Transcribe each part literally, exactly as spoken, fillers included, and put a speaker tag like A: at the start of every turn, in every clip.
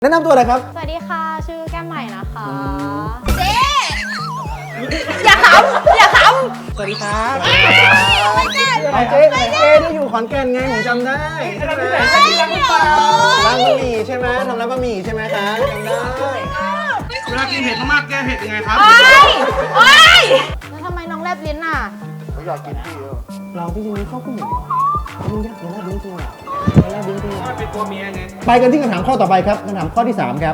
A: แนะนำตัวเลยครับ
B: สวัสดีค่ะชื่อแก้มใหม่นะคะเจ๊อย่าขำอย่าขำ
A: สวัสดีครับไม่เจ๊เจ๊เจ๊ที่อยู่ขอนแก่นไงผมจำได้ใช่ไหมร้านบะหมี่ใช่ไหมทำร้านบะหมี่ใช่ไหมคะจำได้
C: เวลากินเผ็ดมากๆแก้เผ็ดยังไงครับ
B: โอ๊ยโอ๊ยแล้วทำไมน้องแลบลิ้นอ่ะ
A: เขาอยากกินพี่เราพี่จริงๆชอบผู้หญิงมึงอยากกินแลบลิ้นจริงอ่ะแลบลิ้นจริง
C: เป็นตัวเมียไง
A: ไปกันที่คำถามข้อต่อไปครับคำถามข้อที่สามครับ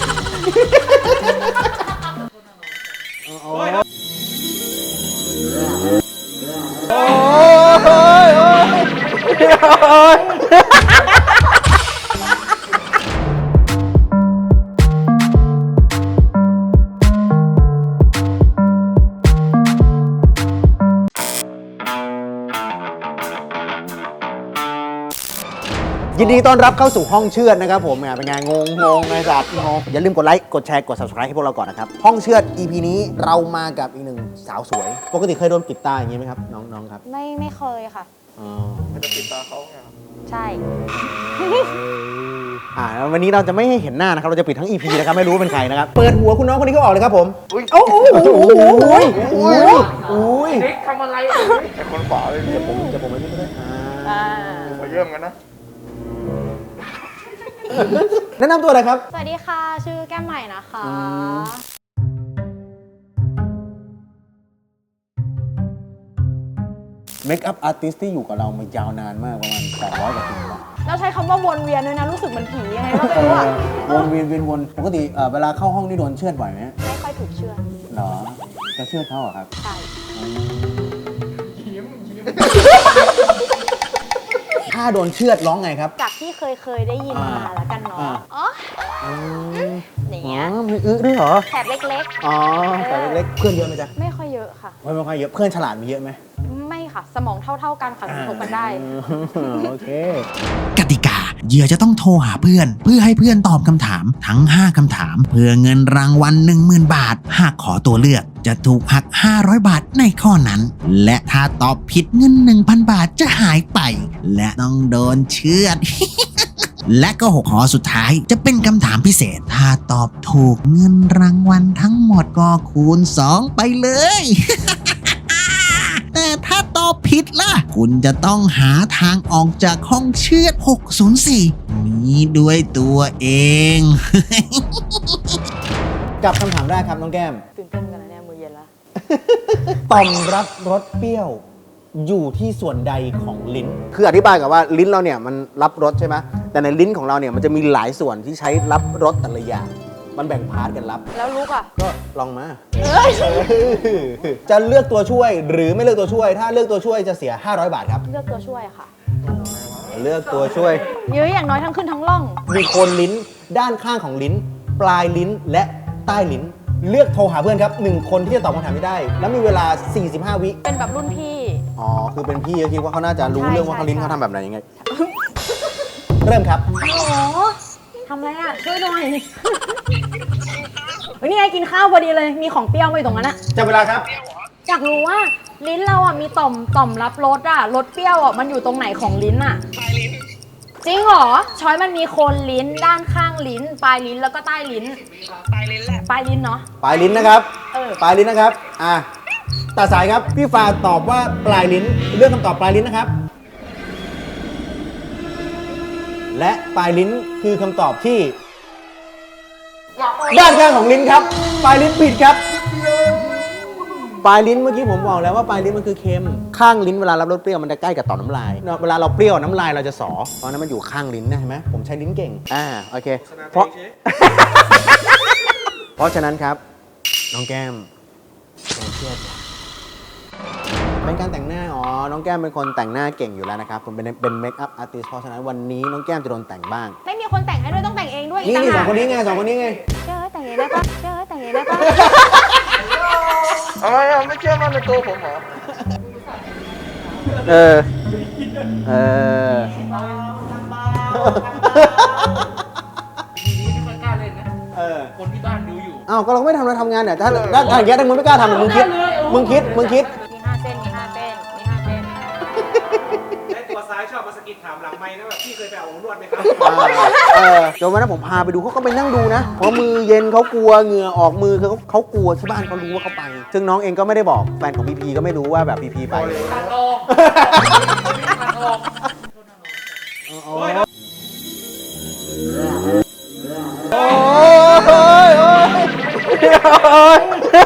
A: โอ้ยโอ้ยโอ้ยยินดีต้อนรับเข้าสู่ห้องเชือดนะครับผมเป็นไงงงงงไงสัตว์งงอย่าลืมกดไลค์กดแชร์กด ซับสไครบ์ ให้พวกเราก่อนนะครับห้องเชือด อี พี นี้เรามากับอีกหนึ่งสาวสวยปกติเคยโดนปิดตาอย่างนี้ไหมครับน้องน้องครับ
B: ไม่ไม่เคยค่ะ
A: อ๋อ
C: จะปิดตาเขาไง
B: ใช่
A: อ่าวันนี้เราจะไม่ให้เห็นหน้านะครับเราจะปิดทั้ง อี พี นะครับไม่รู้ว่าเป็นใครนะครับเปิดหัวคุณน้องคนนี้เขาออกเลยครับผมโอ้โหโอ้โหโอ้ยโอ้ย
C: เด็กทำอะไรไอ้คนขวาเลย
A: จะผมจะผมไม่ได้
B: อ่า
C: มาเยี่ยมกันนะ
A: แนะนำตัวเลยครับ
B: สวัสดีค่ะชื่อแก้มใหม่นะคะ
A: เมคอัพอาร์ติสที่อยู่กับเรามายาวนานมากประมาณแปดร้อยกว่าปีแล้ว
B: เราใช้คำว่าวนเวียนด้วยนะรู้สึกเหมือนผียังไงก็ไม่รู้อะ
A: วนเวียนเวียนวนปกติเวลาเข้าห้องนี่โดนเชือดบ่อยไหม
B: ไม่ค่อยถูกเชือด
A: หรอจะเชือดเขาเหรอครับ
B: ใช่
A: ถ้าโดนเชือดร้องไงครับ
B: จากที่เคยเคยได้ยินมาแล้วกันเนาะอ๋ออย่างเงี้ย
A: มีอึด้วยเหรอ
B: แถบเล็ก
A: ๆอ๋อแถบเล็กๆเพื่อนเยอะไหมจ๊ะ
B: ไม่ค่อยเยอะค่ะ
A: ไม่ค่อยเยอะเพื่อนฉลาดมีเยอะไหม
B: ไม่ค่ะสมองเท่าๆกันค่ะสนุกกันได้
A: โอเค
D: กติกาเหยื่อจะต้องโทรหาเพื่อนเพื่อให้เพื่อนตอบคำถามทั้งห้าคำถามเพื่อเงินรางวัล หนึ่งหมื่น บาทหากขอตัวเลือกจะถูกหักห้าร้อยบาทในข้อนั้นและถ้าตอบผิดเงิน หนึ่งพัน บาทจะหายไปและต้องโดนเชือด และก็หกข้อสุดท้ายจะเป็นคำถามพิเศษถ้าตอบถูกเงินรางวัลทั้งหมดก็คูณสองไปเลย แต่ถ้าตอบผิดล่ะคุณจะต้องหาทางออกจากห้องเชือดหกศูนย์สี่นี้ด้วยตัวเอง
A: กับคำถามแรกครับน้องแก้ม
B: ตื่นเต้นกันนะเนี่ยมือเย็นละ
A: ต่อมรับรสเปรี้ยวอยู่ที่ส่วนใดของลิ้นคืออธิบายกับว่าลิ้นเราเนี่ยมันรับรสใช่ไหมแต่ในลิ้นของเราเนี่ยมันจะมีหลายส่วนที่ใช้รับรสแต่ละอย่างมันแบ่งพาร์ทกันรับ
B: แล้วลูกอ่ะ
A: ก็ลองมาจะเลือกตัวช่วยหรือไม่เลือกตัวช่วยถ้าเลือกตัวช่วยจะเสียห้าร้อยบาทครับ
B: เลือกตัวช่วยค่ะ
A: เลือกตัวช่วย
B: เยอะอย่างน้อยทั้งขึ้นทั้งล่อง
A: มีโคนลิ้นด้านข้างของลิ้นปลายลิ้นและใต้ลิ้นเลือกโทรหาเพื่อนครับหนึ่งคนที่จะตอบคำถามไม่ได้แล้วมีเวลาสี่สิบห้าวิ
B: เป็นแบบรุ่นพี่
A: อ๋อคือเป็นพี่ก็คิดว่าเขาน่าจะรู้เรื่องว่าเขาลิ้นเขาทำแบบไหนยังไงเริ่มครับ
B: โอ้โหทำอะไรอ่ะช่วยหน่อยวันนี้ไงกินข้าวพอดีเลยมีของเปรี้ยวมาอยู่ตรงนั้นอะ
A: จับเวลาครับ
B: อยากรู้ว่าลิ้นเราอ่ะมีต่อมต่อมรับรสอ่ะรสเปรี้ยวอ่ะมันอยู่ตรงไหนของลิ้นอ่ะปลายลิ้นจริงเหรอช้อยมันมีโคนลิ้นด้านข้างลิ้นปลายลิ้นแล้วก็ใต้ลิ้นปลายลิ้นแหละปลายลิ้นเนาะ
A: ปลายลิ้นนะครับปลายลิ้นนะครับอ่ะตัดสายครับพี่ฟ้าตอบว่าปลายลิ้นเลือกคำตอบปลายลิ้นนะครับและปลายลิ้นคือคำตอบที่ด้านข้างของลิ้นครับปลายลิ้นผิดครับปลายลิ้นเมื่อกี้ผมบอกแล้วว่าปลายลิ้นมันคือเค็มข้างลิ้นเวลารับรสเปรี้ยวมันจะใกล้กับต่อมน้ำลายเวลาเราเปรี้ยวน้ำลายเราจะสอเพราะนั้นมันอยู่ข้างลิ้นนะเห็นไหมผมใช้ลิ้นเก่งอ่าโอเคเพราะ เพราะฉะนั้นครับน้องแก้มเชื่อเป็นการแต่งหน้าอ๋อน้องแก้มเป็นคนแต่งหน้าเก่งอยู่แล้วนะครับผมเป็นเป็นเมคอัพอาร์ติสต์เพราะฉะนั้นวันนี้น้องแก้มจะโดนแต่งบ้าง
B: ไม่มีคนแต่งให้ด้วยต้องแต่งเองด้วย
A: นี่นี่สองคนนี้ไงสองคนนี้ไง
B: เชื่อแต่งเองได้ปะเชื่อแต่งเองได้ปะ
C: อะไรอ่ะไม่เชื่อมั่นในตัวผมเหรอ
A: เออเออ
C: ทีนี้ไม่ค่อยกล้าเล่นนะเออคนที่บ้านดูอยู่
A: อ้าวก็เราไม่ทำเราทำงานเนี่ยถ้าถ้าอย่างเงี้ยถ้ามึงไม่กล้าทำมึงคิดมึงคิดมึงคิด
B: มีห้าเส้นมีห้าเส้นมีห้าเส้น
C: ไอ้ตัวซ้ายชอบมาสกิดถามหลังไมค์นะแบบพี่เคยไปเอานวดไหมครับ
A: เออจนวันนั้นผมพาไปดูเขาก็ไปนั่งดูนะเพราะมือเย็นเขากลัวเหงื่อออกมือคือเขาเขากลัวที่บ้านเขารู้ว่าเขาไป ซึ่งน้องเองก็ไม่ได้บอกแฟนของพีพีก็ไม่รู้ว่าแบบพีพีไป
C: ทางออกทางออก
A: โอ้ยโอ้ยโอ้ย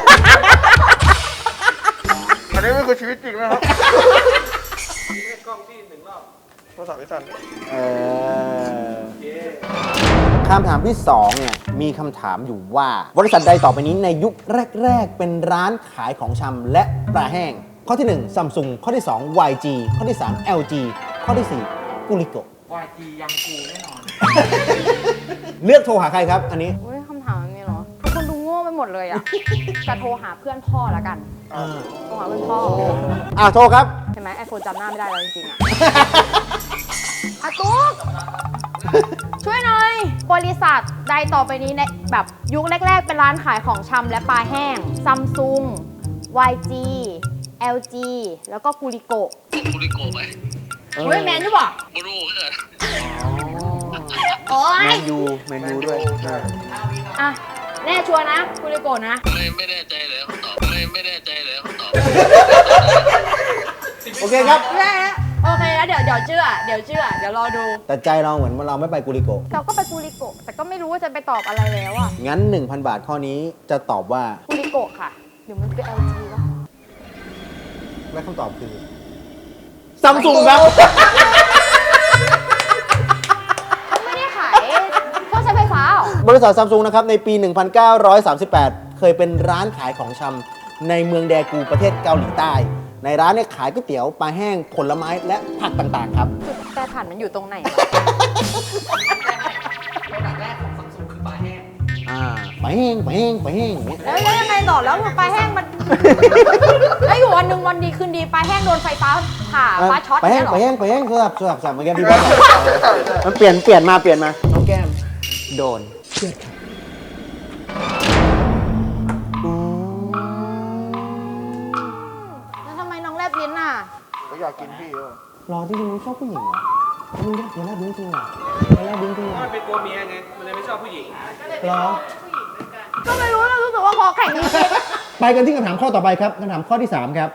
E: อันนี้ไม่คือชีวิตจริงนะครับ
C: กล้องที่หนึ่งรอบ
E: โทรศัพท์ไม่สั่น
A: เออคำถามที่สองเนี่ยมีคำถามอยู่ว่าบริษัทใดต่อไปนี้ในยุคแรก ๆ เป็นร้านขายของชำและปลาแห้ง ข้อที่หนึ่ง Samsung ข้อที่สอง วาย จี ข้อที่สาม แอล จี ข้อที่สี่ กุลิโก
C: วายจียังกูแน่นอน
A: เลือกโทรหาใครครับ อันนี้
B: อุ้ยคำถามนี้เหรอ ทุกคนดูโง่ไปหมดเลยอ่ะ จะโทรหาเพื่อนพ่อละกัน
A: อ่า
B: โทรหาเพื่อนพ่อ
A: อ่าโทรครับ
B: เห็นไหมไอโฟนจำหน้าไม่ได้แล้วจริงๆอ่ะ อาตุ๊กช่วยหน่อย บริษัทใดต่อไปนี้ในแบบยุคแรก ๆ เป็นร้านขายของชำและปลาแห้ง Samsung วาย จี แอล จี แล้วก็กูริโกะ
F: คุริโกะไหม
A: เออ
B: เฮ้ยแมนหรือเปล่า
F: บรูเกิด
B: โอ๊
A: แม
B: ย
A: นยูแมนยูด้วย
B: อ่ะ แน่ชัวร์นะกูริโกะนะ
F: ไม่ไม่แน่ใจเลยคำตอบไม่ไม่แน่ใจเลยคำตอบ
A: โอเคครับ
B: โอเคโอเคแล้วเดี๋ยวเดี๋ยวเชื่อ เดี๋ยวเชื่อ เดี๋ยวรอดู
A: แต่ใจเราเหมือนเราไม่ไปกุลิโก
B: เราก็ไปกูริโกะแต่ก็ไม่รู้ว่าจะไปตอบอะไรแล้วอ่ะ
A: งั้น หนึ่งพัน บาทข้อนี้จะตอบว่า
B: กูริโกะค่ะเดี๋ยวมันเป็น แอล จี ป่ะ
A: และคำตอบคือ Samsung ครับ
B: เขาไม่ได้ขายเครื่องใช้ไฟฟ้าหรอ
A: บริษัทซัมซุงนะครับในปี หนึ่งพันเก้าร้อยสามสิบแปด เคยเป็นร้านขายของชำในเมืองแดกูประเทศเกาหลีใต้ ในร้านเนี่ยขายก๋วยเตี๋ยวปลาแห้งผลไม้และผักต่างๆครับ
B: จุดแปรผันมันอยู่ตรงไหนวะ
C: โปรดักต์แรกของซัมซุงคือปลาแห้ง
A: อ่าปลาแห้งปลาแห้งปลาแห้งอย่างเงี้ย
B: แล้วแล้วยังไงต่อแล้วปลาแห้งมัน แล้วอยู่วันหนึ่งวันดีคืนดีปลาแห้งโดนไฟฟ้าผ่าฟ้าช็อต
A: ปลาแห้ง
B: เนี่ย
A: ป
B: เหร
A: ลา
B: อ
A: แห้งปลาแห้งสลับสลับสลับเมื่อกี้พี่บอลมันเปลี่ยนเปลี่ยนมาเปลี่ยนมาน้องแก้มโดนเชือดครับอืม
B: แล้วทำไมน้องแลบลิ้นอ่ะ
E: ก็อยากกินพี่เออ
A: รอที่มึงชอบผู้หญิงเหรอมึงแลบมึงแลบลิ้นจริงเหรอมึงแลบลิ้นจริงเหรอ
C: มันเป็นตัวเมียไง มันเลยไม่ชอบผู้หญิง
A: เหรอ
B: ก็ไม่รู้แล้วรู้สึกว่าคอแข็งจริง
A: ไปกันที่คำถามข้อต่อไปครับคำถามข้อที่สามครับ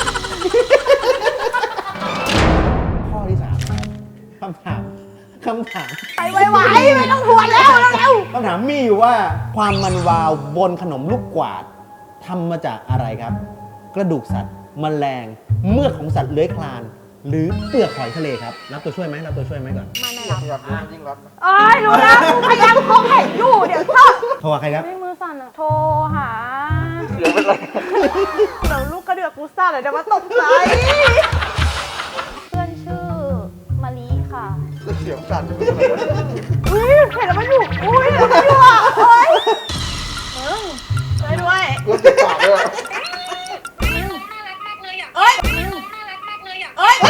A: ข้อที่สามคำถามคำถาม
B: ๆไปไวๆไม่ต้องทวนแล้วเร็ว
A: คำถามมีอยู่ว่าความมันวาวบนขนมลูกกวาดทำมาจากอะไรครับ กระดูกสัตว์แมลงเมือกของสัตว์เลื้อยคลาน หรือเปลือกหอยทะเลครับรับตัวช่วยไหมรับตัวช่วยไหมก่อน
B: ๆไม่ไม่รับ
E: อยากรู้ยิ่งรักนะ
B: เอ้ยรู้แล้วกูพยายามคอแข็งอยู่เดี๋ยวเข้า
A: โทรหาใครครับ
B: ไม่มือสั่นอะโทรหา
E: เสียงเป็นไร
B: เดี๋ยวลูกกระเดือกกูสั่นเลยเดี๋ยวมาตกใจเพื่อนชื่อมาลีค่ะ
E: เสียงสั่น
B: อุ้ยเห็นแล้วมันอยู่อุ้ยเห็นแล้วมันอยู่อ่ะเฮ้ยเออช่วยด้วย
E: กูติดปากเลยอะ
F: น่ารักมากเลยอ่ะ
B: เอ้ย
F: น่ารักมากเลยอ่ะ
B: เอ้ย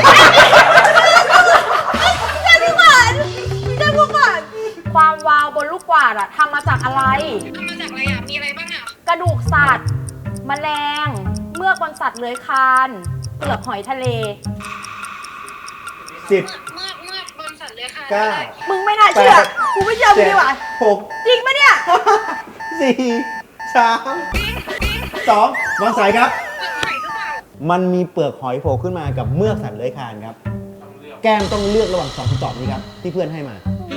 B: เจ้าผู้ก่อนเจ้าผู้ก่อนความวาวบนลูกกวาดอะทำมาจากอะไร
F: ทำมาจากอะไรอ่ะ มีอะไรบ้างอ่ะ
B: กระดูกสัตว์ แมลง เมือกบนสัตว์เลื้อยคลาน เปลือกหอยทะเล
A: สิบ
F: เมื่อเมื่อบนสัตว์เลื้อยคลาน
A: เก้า
B: มึงไม่น่าเชื่อ กูไม่เชื่อมึงดีกว่า
A: หก
B: จริงปะเนี่ย
A: สี่สามสองวางสายครับ
F: ใส่หรือเปล่า
A: มันมีเปลือกหอยโผล่ขึ้นมากับเมือกสัตว์เลื้อยคลานครับ แก้มต้องเลือกระหว่างสองคำตอบนี้ครับ ที่เพื่อนให้มา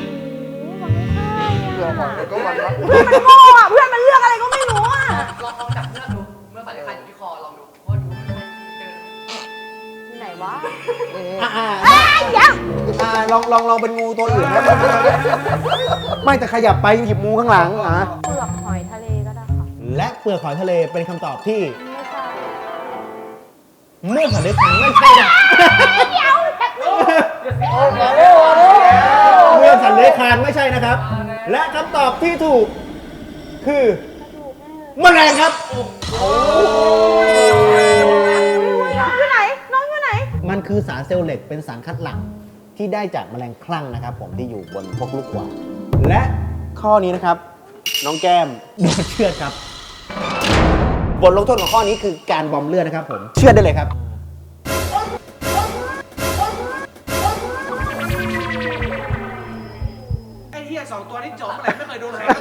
E: เรื่องของแต่ก็วันรัก
B: เพื่อนมันโง่อะเพื่อนมันเลือกอะไรก็ไม่รู้อะ
C: ลองลองจับเลือดดู เมื่อสัตว์เลื้อยคลานอยู่ที่คอ ลองดูว่าดูมันเจอ
B: ที่ไหนวะ
A: อ่าอ่า
B: เอ้ยเดี๋ยว
A: อ่าลองลองลองเป็นงูตัวอื่นนะไม่แต่ขยับไปหยิบงูข้างหลังอ่ะ
B: เปลือกหอยทะเลก็ได้ค่ะ
A: และเปลือกหอยทะเลเป็นคำตอบที่
B: ไม่ใช่
A: เมือกสัตว์เลื้อยคลานไม่ใช่นะ
B: เดี๋ยว
A: เมือกสัตว์เลื้อยคลานไม่ใช่นะครับ และคำตอบที่ถูก คือแมลงครับ
B: น้องอยู่ไหน น้องอยู่ไหน
A: มันคือสารเซลล์เหล็กเป็นสารคัดหลั่งที่ได้จากแมลงคลั่งนะครับผมที่อยู่บนพวกลูกกวาดและข้อนี้นะครับ น้องแก้มโดนเชือดครับ บทลงโทษของข้อนี้คือการบอมเลือดนะครับผมเชือดได้เลยครับ
C: ตัวนี้จบอะไรไม่เคยโดนใคร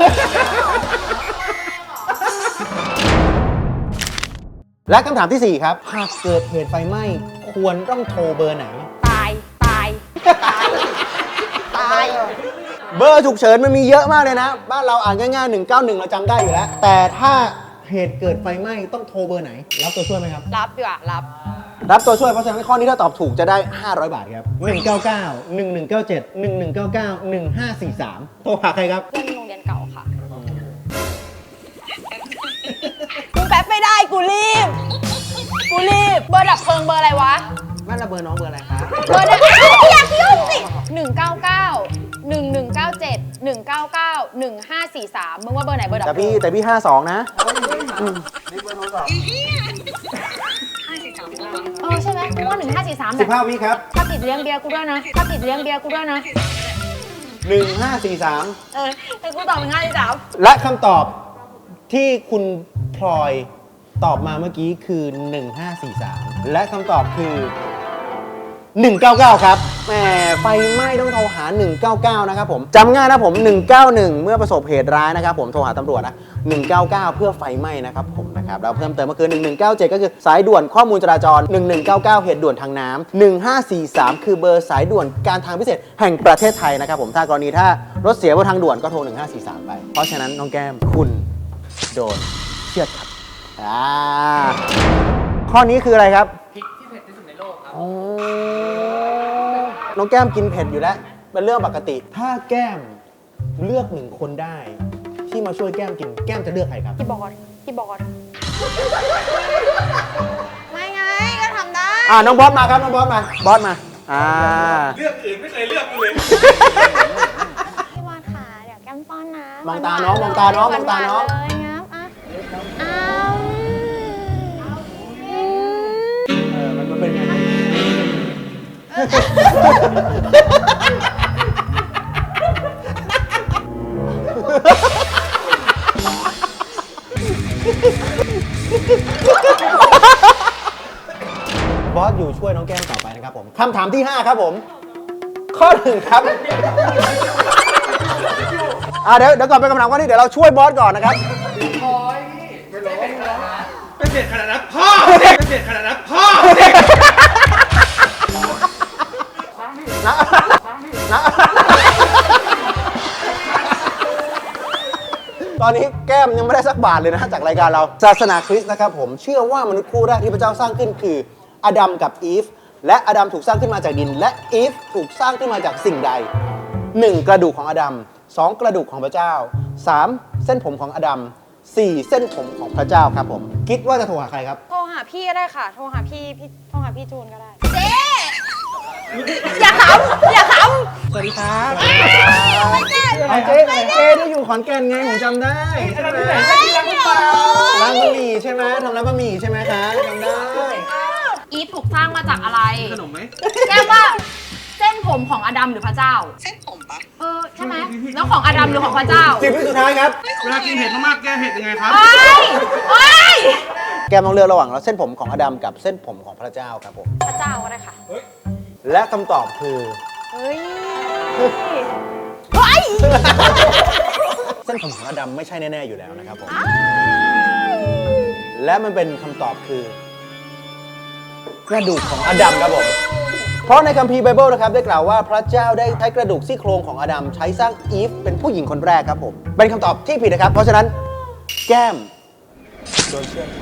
A: และคำถามที่ สี่ ครับ หากเกิดเหตุไฟไหม้ควรต้องโทรเบอร์ไหน
B: ตาย ตาย ตาย ตาย
A: เบอร์ฉุกเฉินมันมีเยอะมากเลยนะ บ้านเราอ่านง่ายๆหนึ่งเก้าหนึ่งเราจำได้อยู่แล้ว แต่ถ้าเหตุเกิดไฟไหม้ต้องโทรเบอร์ไหน รับตัวช่วยไหมครับ
B: รับดีกว่ารับ
A: รับตัวช่วยเพราะฉะนั้นข้อนี้ถ้าตอบถูกจะได้ ห้าร้อย บาทครับ หนึ่ง เก้า เก้า หนึ่ง หนึ่ง เก้า เจ็ด หนึ่ง หนึ่ง เก้า เก้า หนึ่ง ห้า สี่ สาม โทรหาใครครับ
B: เพื่อนโรงเรียนเก่าค่ะกูแป๊บไม่ได้กูรีบ กูรีบ เบอร์ดับเพลิงเบอร์อะไรวะ
A: บ้านเราเบอร์น้องเบอร์อะไรครับ
B: เบอร์ดับอ้าวอยากยุ่งสิหนึ่งเก้าเก้าหนึ่งหนึ่งเก้าเจ็ดหนึ่งเก้าเก้าหนึ่งห้าสี่สามมึงว่าเบอร์ไหนเบอร์ดับ
A: แต่
B: เพลิ
A: พี่
B: ง
A: แต่พี่ห้าสองนะ
E: นี่เบอร์โทรศัพท์
F: ห้าสี่สามสาม
B: เออใช่ไหมมึงว่าหนึ่งห้าสี่สาม
A: สิบห้าวิครับ
B: ถ้าติดเลี้ยงเบียร์กูด้วยนะ ถ้าติดเลี้ยงเบียร์กูด้วยนะ
A: หนึ่ง ห้า สี่ สาม
B: เออแต่กูตอบหนึ่งห้าสี่สาม
A: และคำตอบที่คุณพลอยตอบมาเมื่อกี้คือ หนึ่ง ห้า สี่ สาม และคำตอบคือ หนึ่งเก้าเก้า ครับแหมไฟไหม้ต้องโทรหา หนึ่งเก้าเก้า นะครับผมจำง่ายนะผม หนึ่งเก้าหนึ่ง เมื่อประสบเหตุร้ายนะครับผมโทรหาตำรวจนะ หนึ่งเก้าเก้า เพื่อไฟไหม้นะครับผมนะครับแล้วเพิ่มเติมก็คือ หนึ่งหนึ่งเก้าเจ็ด ก็คือสายด่วนข้อมูลจราจร หนึ่งหนึ่งเก้าเก้า เหตุด่วนทางน้ำหนึ่งห้าสี่สาม คือเบอร์สายด่วนการทางพิเศษแห่งประเทศไทยนะครับผมถ้ากรณีถ้ารถเสียบนทางด่วนก็โทร หนึ่งห้าสี่สาม ไปเพราะฉะนั้นน้องแก้มคุณโดนเชือดครับอ่าข้อนี้คืออะไรครับ
C: พริกที่เผ็ดที่สุดในโลกครับ
A: โอ้น้องแก้มกินเผ็ดอยู่แล้ว เป็นเรื่องปกติ ถ้าแก้มเลือกหนึ่งคนได้ ที่มาช่วยแก้มกิน แก้มจะเลือกใครครับ
B: พี่บอสพี่บอสไม่ไงก็ทำได้
A: อ่าน้องบอสมาครับ น้องบอสมา บอสมา อ่า
C: เลือกอื่นไม่เคยเลือกกูเลย
B: พี่บอสค่ะเดี๋ยวแก้มป้อนนะ
A: มองตาน้องมองตาน้องมองตาน้อง
B: หวๆเลยงับอ่ะอ้าว
A: เออ มันเป็นไง บอสอยู่ช่วยน้องแก้มต่อไปนะครับผมคำถามที่ ห้า ครับผม ข้อหนึ่งครับ อ่าเดี๋ยวเดี๋ยวก่อนไปคำถามข้อนี้เดี๋ยวเราช่วยบอสก่อนนะครับ
C: เป็นเด็ดขนาดนั้นพ่อเป็นเด็ดขนาดนั้นพ่อ
A: นะนะตอนนี้แก้มยังไม่ได้สักบาทเลยนะจากรายการเรา ศาสนาคริสต์นะครับผมเชื่อว่ามนุษย์คู่แรกที่พระเจ้าสร้างขึ้นคืออดัมกับอีฟและอดัมถูกสร้างขึ้นมาจากดิน และอีฟถูกสร้างขึ้นมาจากสิ่งใด หนึ่ง กระดูกของอดัม สอง กระดูกของพระเจ้า สาม เส้นผมของอดัม สี่ เส้นผมของพระเจ้าครับผมคิดว่าจะโทรหาใครครับ
B: โทรหาพี่ก็ได้ค่ะ โทรหาพี่พี่โทรหาพี่จูนก็ได้ เจ๊อย่าขำอย่าขำ
A: สวัสดีครับ
B: ไม่ใช่
A: เอาเจ๊เจ๊ที่อยู่ขอนแก่นไงผมจำได้ใช่ไหมร้านบะหมี่ใช่ไหมทำร้านบะหมี่ใช่ไหมคะจำได้
B: อีฟถูกสร้างมาจากอะไร
C: ขนมไหม
B: แก้มว่าเส้นผมของอดัมหรือพระเจ้า
F: เส้นผมปะ
B: เออใช่ไหมแล้วของอดัมหรือของพระเจ้า
A: สิบวิสุดท้ายครับ
C: เวลากินเผ็ดมากๆแก้เผ็ดยังไงครับ
B: โอ้ยโอ้ย
A: แกมต้องเลือกระหว่างเส้นผมของอดัมกับเส้นผมของพระเจ้าครับผม
B: พระเจ้าก็ได้ค่ะ
A: และคำตอบคือ
B: เฮ้ยเฮ้ย
A: เส้นผมของอดัมไม่ใช่แน่ๆอยู่แล้วนะครับผมและมันเป็นคำตอบคือกระดูกของอดัมครับผมเพราะในคัมภีร์ไบเบิลนะครับได้กล่าวว่าพระเจ้าได้ใช้กระดูกซี่โครงของอดัมใช้สร้างอีฟเป็นผู้หญิงคนแรกครับผมเป็นคำตอบที่ผิดนะครับ เพราะฉะนั้นแก้มโดนเชื่อด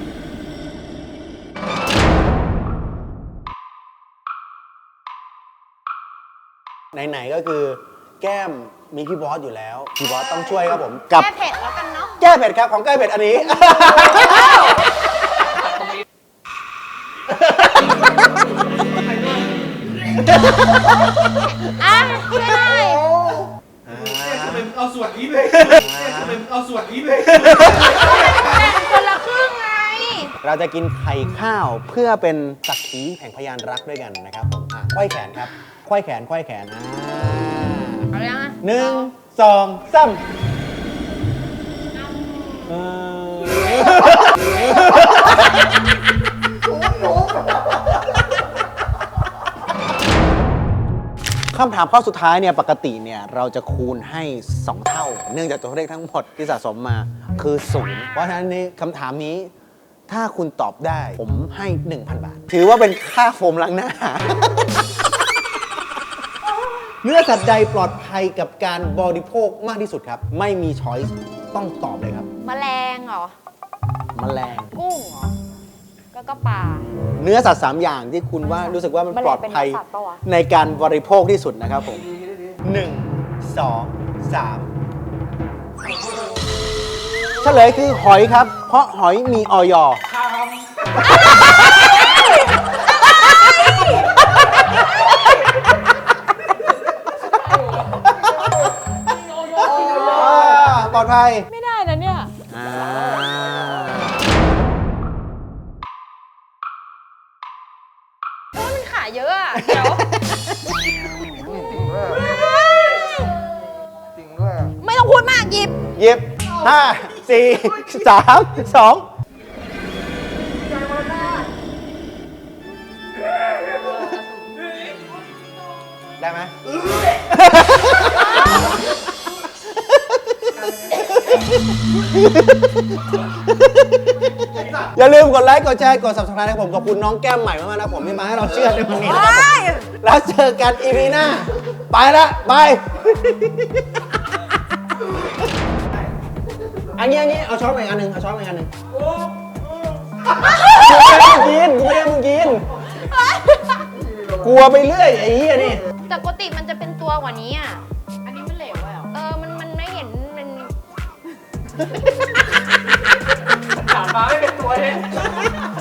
A: ไหนๆก็คือแก้มมีพี่บอสอยู่แล้วพี่บอสต้องช่วยครับผมกับ
B: แก้เผ็ดแล้วกันเนาะ
A: แก้เผ็ดครับของแก้เผ็ดอันนี้
B: อ่ะช่วยได้
C: ทำไมมึงเอาส่วนนี้ไปทำไมมึงเอาส่วนนี้ไป
B: แบ่งคนละครึ่งไง
A: เราจะกินไข่ข้าวเพื่อเป็นสักขีแห่งพยานรักด้วยกันนะครับผมอ่ะไขว้แขนครับไขว้แขนไขว้แขนอ่า
B: เอาเลยนะ
A: หนึ่งสองสามเออคคำถามข้อสุดท้ายเนี่ยปกติเนี่ยเราจะคูณให้ สอง เท่า เนื่องจากตัวเลขทั้งหมดที่สะสมมาคือศูนย์เพราะฉะนั้นนี่คำถามนี้ถ้าคุณตอบได้ผมให้ หนึ่งพัน บาท ถือว่าเป็นค่าโฟมล้างหน้า เนื้อสัตว์ใดปลอดภัยกับการบริโภคมากที่สุดครับ ไม่มีช้อยส์ต้องตอบเลยครับ
B: แมลงเหรอ
A: แมลง
B: กุ้งเหรอ แล้วก็ปลา
A: เนื้อสัตว์สามอย่างที่คุณว่ารู้สึกว่ามันปลอดภัย
B: แมลงเป็นเนื้อสัตว์ปะวะ
A: ในการบริโภคที่สุดนะครับผมหนึ่งสองสามเฉลยคือหอยครับ เพราะหอยมีออยอปลอดภัย
B: ไม่ได้นะเนี่ย
A: อ่า
B: เออมันขาเยอะอะเดี๋ยว
E: จริงด้วยจริงด้วย
B: ไม่ต้องพูดมากหยิบ
A: หยิบห้าสี่สามสองได้ไหม อย่าลืมกดไลค์ กดแชร์ กด ซับสไครบ์ ให้ผมขอบคุณน้องแก้มใหม่มากๆนะผมที่มาให้เราเชื่อในวันนี้นะครับผมแล้วเจอกันอีพีหน้า ไปละบาย อันนี้อันนี้เอาช้อนมาอีกอันหนึ่งเอาช้อนมาอีกอันหนึ่งกูไม่ได้มึงกินกูไม่ได้มึงกิน กลัวไปเรื่อยไอ้เหี้ยนี่
B: แต่ปกติมันจะเป็นตัวกว่านี้อ่ะ อันนี้มันเหลวอ่ะเออ มันมันไม่เห็นมัน
C: ถามมาไม่เป็นตัวเลย